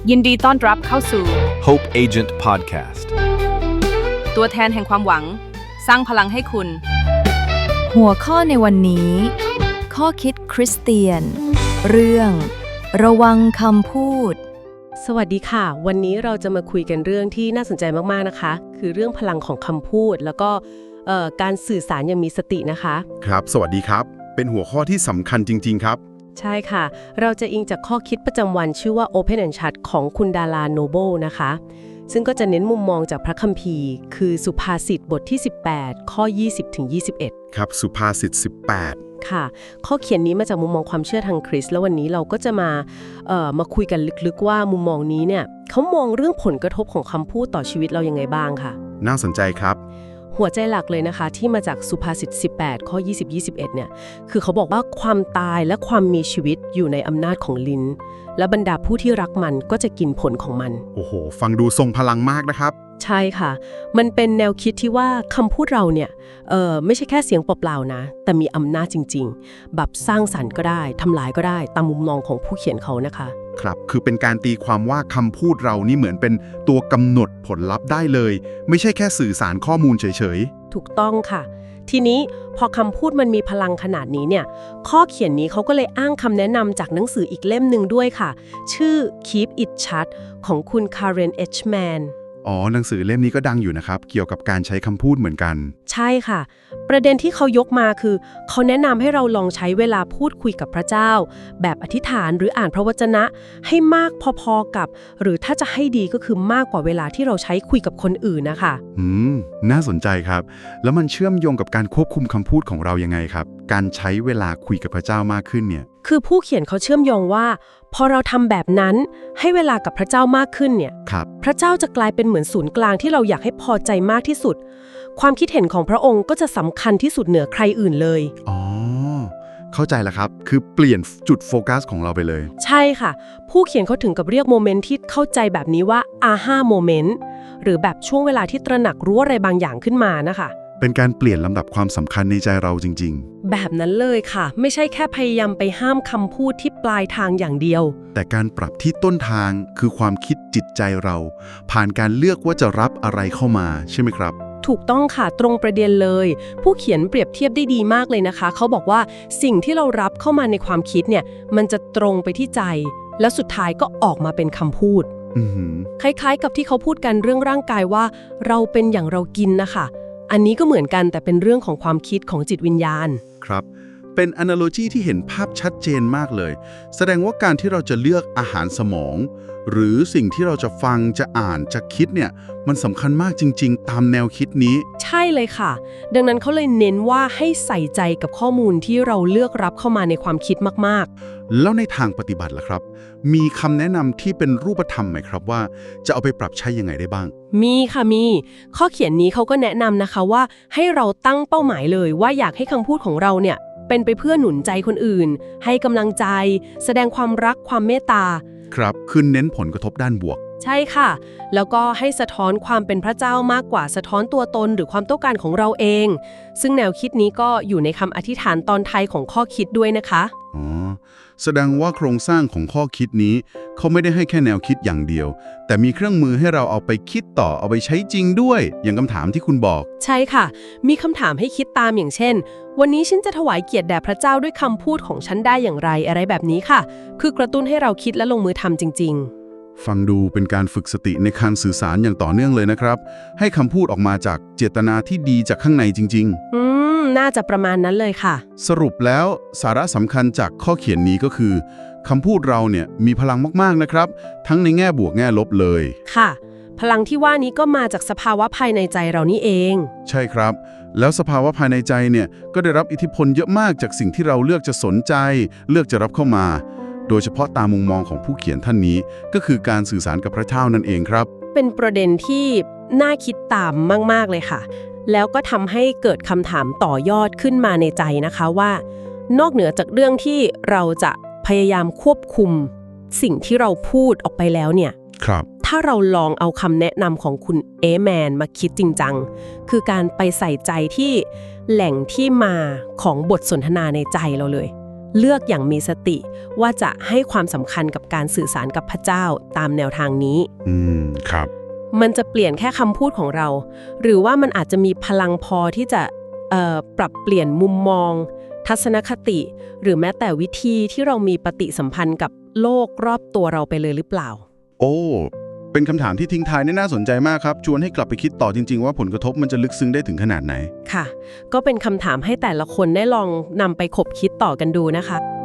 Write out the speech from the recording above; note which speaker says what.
Speaker 1: ยินดีต้อนรับเข้าสู่
Speaker 2: Hope Agent Podcast
Speaker 1: ตัวแทนแห่งความหวังสร้างพลังให้คุณ
Speaker 3: หัวข้อในวันนี้ ข้อคิดคริสเตียน เรื่องระวังคำพูด
Speaker 4: สวัสดีค่ะวันนี้เราจะมาคุยกันเรื่องที่น่าสนใจมากๆนะคะคือเรื่องพลังของคำพูดแล้วก็การสื่อสารอย่างมีสตินะคะ
Speaker 5: ครับสวัสดีครับเป็นหัวข้อที่สำคัญจริงๆครับ
Speaker 4: ใช่ค่ะเราจะอิงจากข้อคิดประจำวันชื่อว่า Open and Shut ของคุณดาราโนเบิลนะคะซึ่งก็จะเน้นมุมมองจากพระคัมภีร์คือสุภาษิตบทที่18ข้อ20-21
Speaker 5: ครับสุภาษิต18
Speaker 4: ค่ะข้อเขียนนี้มาจากมุมมองความเชื่อทางคริสต์แล้ววันนี้เราก็จะมาคุยกันลึกๆว่ามุมมองนี้เนี่ยเขามองเรื่องผลกระทบของคำพูดต่อชีวิตเรายังไงบ้างค่ะ
Speaker 5: น่าสนใจครับ
Speaker 4: หัวใจหลักเลยนะคะที่มาจากสุภาษิต18ข้อ20-21เนี่ยคือเขาบอกว่าความตายและความมีชีวิตอยู่ในอำนาจของลิ้นและบรรดาผู้ที่รักมันก็จะกินผลของมัน
Speaker 5: โอ้โหฟังดูทรงพลังมากนะครับ
Speaker 4: ใช่ค่ะมันเป็นแนวคิดที่ว่าคำพูดเราเนี่ยไม่ใช่แค่เสียงเปล่าๆนะแต่มีอำนาจจริงๆแบบสร้างสรรค์ก็ได้ทำลายก็ได้ตามมุมมองของผู้เขียนเขานะคะ
Speaker 5: ครับคือเป็นการตีความว่าคำพูดเรานี่เหมือนเป็นตัวกำหนดผลลัพธ์ได้เลยไม่ใช่แค่สื่อสารข้อมูลเฉย
Speaker 4: ๆถูกต้องค่ะทีนี้พอคำพูดมันมีพลังขนาดนี้เนี่ยข้อเขียนนี้เขาก็เลยอ้างคำแนะนำจากหนังสืออีกเล่มหนึ่งด้วยค่ะชื่อ Keep It Shut ของคุณ Karen Edgman
Speaker 5: อ๋อหนังสือเล่มนี้ก็ดังอยู่นะครับเกี่ยวกับการใช้คำพูดเหมือนกัน
Speaker 4: ใช่ค่ะประเด็นที่เขายกมาคือเขาแนะนำให้เราลองใช้เวลาพูดคุยกับพระเจ้าแบบอธิษฐานหรืออ่านพระวจนะให้มากพอๆกับหรือถ้าจะให้ดีก็คือมากกว่าเวลาที่เราใช้คุยกับคนอื่นนะคะ
Speaker 5: น่าสนใจครับแล้วมันเชื่อมโยงกับการควบคุมคำพูดของเรายังไงครับการใช้เวลาคุยกับพระเจ้ามากขึ้นเนี่ย
Speaker 4: คือผู้เขียนเขาเชื่อมโยงว่าพอเราทำแบบนั้นให้เวลากับพระเจ้ามากขึ้นเนี่ยพระเจ้าจะกลายเป็นเหมือนศูนย์กลางที่เราอยากให้พอใจมากที่สุดความคิดเห็นของพระองค์ก็จะสำคัญที่สุดเหนือใครอื่นเลย
Speaker 5: อ๋อเข้าใจแล้วครับคือเปลี่ยนจุดโฟกัสของเราไปเลย
Speaker 4: ใช่ค่ะผู้เขียนเขาถึงกับเรียกโมเมนต์ที่เข้าใจแบบนี้ว่าอาฮ่าโมเมนต์หรือแบบช่วงเวลาที่ตระหนักรู้อะไรบางอย่างขึ้นมานะคะ
Speaker 5: เป็นการเปลี่ยนลำดับความสำคัญในใจเราจริง
Speaker 4: ๆแบบนั้นเลยค่ะไม่ใช่แค่พยายามไปห้ามคำพูดที่ปลายทางอย่างเดียว
Speaker 5: แต่การปรับที่ต้นทางคือความคิดจิตใจเราผ่านการเลือกว่าจะรับอะไรเข้ามาใช่ไหมครับ
Speaker 4: ถูกต้องค่ะตรงประเด็นเลยผู้เขียนเปรียบเทียบได้ดีมากเลยนะคะเขาบอกว่าสิ่งที่เรารับเข้ามาในความคิดเนี่ยมันจะตรงไปที่ใจแล้วสุดท้ายก็ออกมาเป็นคำพูดคล้ายๆกับที่เขาพูดกันเรื่องร่างกายว่าเราเป็นอย่างเรากินนะคะอันนี้ก็เหมือนกันแต่เป็นเรื่องของความคิดของจิตวิญญาณ
Speaker 5: ครับเป็น analogy ที่เห็นภาพชัดเจนมากเลยแสดงว่าการที่เราจะเลือกอาหารสมองหรือสิ่งที่เราจะฟังจะอ่านจะคิดเนี่ยมันสำคัญมากจริงๆตามแนวคิดนี้
Speaker 4: ใช่เลยค่ะดังนั้นเขาเลยเน้นว่าให้ใส่ใจกับข้อมูลที่เราเลือกรับเข้ามาในความคิดมาก
Speaker 5: ๆแล้วในทางปฏิบัติล่ะครับมีคำแนะนำที่เป็นรูปธรรมไหมครับว่าจะเอาไปปรับใช้ยังไงได้บ้าง
Speaker 4: มีค่ะมีข้อเขียนนี้เขาก็แนะนำนะคะว่าให้เราตั้งเป้าหมายเลยว่าอยากให้คำพูดของเราเนี่ยเป็นไปเพื่อหนุนใจคนอื่นให้กำลังใจแสดงความรักความเมตตา
Speaker 5: ครับคือเน้นผลกระทบด้านบวก
Speaker 4: ใช่ค่ะแล้วก็ให้สะท้อนความเป็นพระเจ้ามากกว่าสะท้อนตัวตนหรือความต้องการของเราเองซึ่งแนวคิดนี้ก็อยู่ในคำอธิษฐานตอนท้ายของข้อคิดด้วยนะคะ
Speaker 5: อ๋อแสดงว่าโครงสร้างของข้อคิดนี้เขาไม่ได้ให้แค่แนวคิดอย่างเดียวแต่มีเครื่องมือให้เราเอาไปคิดต่อเอาไปใช้จริงด้วยอย่างคำถามที่คุณบอก
Speaker 4: ใช่ค่ะมีคำถามให้คิดตามอย่างเช่นวันนี้ฉันจะถวายเกียรติแด่พระเจ้าด้วยคำพูดของฉันได้อย่างไรอะไรแบบนี้ค่ะคือกระตุ้นให้เราคิดและลงมือทำจริงๆ
Speaker 5: ฟังดูเป็นการฝึกสติในการสื่อสารอย่างต่อเนื่องเลยนะครับให้คำพูดออกมาจากเจตนาที่ดีจากข้างในจริง
Speaker 4: น่าจะประมาณนั้นเลยค่ะ
Speaker 5: สรุปแล้วสาระสำคัญจากข้อเขียนนี้ก็คือคำพูดเราเนี่ยมีพลังมากๆนะครับทั้งในแง่บวกแง่ลบเลย
Speaker 4: ค่ะพลังที่ว่านี้ก็มาจากสภาวะภายในใจเรานี่เอง
Speaker 5: ใช่ครับแล้วสภาวะภายในใจเนี่ยก็ได้รับอิทธิพลเยอะมากจากสิ่งที่เราเลือกจะสนใจเลือกจะรับเข้ามาโดยเฉพาะตามมุมมองของผู้เขียนท่านนี้ก็คือการสื่อสารกับพระเจ้านั่นเองครับ
Speaker 4: เป็นประเด็นที่น่าคิดตามมากๆเลยค่ะแล้วก็ทำให้เกิดคำถามต่อยอดขึ้นมาในใจนะคะว่านอกเหนือจากเรื่องที่เราจะพยายามควบคุมสิ่งที่เราพูดออกไปแล้วเนี่ยถ้าเราลองเอาคำแนะนำของคุณเอแมนมาคิดจริงจังคือการไปใส่ใจที่แหล่งที่มาของบทสนทนาในใจเราเลยเลือกอย่างมีสติว่าจะให้ความสำคัญกับการสื่อสารกับพระเจ้าตามแนวทางนี้
Speaker 5: ครับ
Speaker 4: มันจะเปลี่ยนแค่คำพูดของเรา หรือว่ามันอาจจะมีพลังพอที่จะปรับเปลี่ยนมุมมอง ทัศนคติ หรือแม้แต่วิธีที่เรามีปฏิสัมพันธ์กับโลกรอบตัวเราไปเลยหรือเปล่า
Speaker 5: โอ้เป็นคำถามที่ทิ้งท้ายน่าสนใจมากครับชวนให้กลับไปคิดต่อจริงๆว่าผลกระทบมันจะลึกซึ้งได้ถึงขนาดไหน
Speaker 4: ค่ะก็เป็นคำถามให้แต่ละคนได้ลองนำไปคบคิดต่อกันดูนะคะ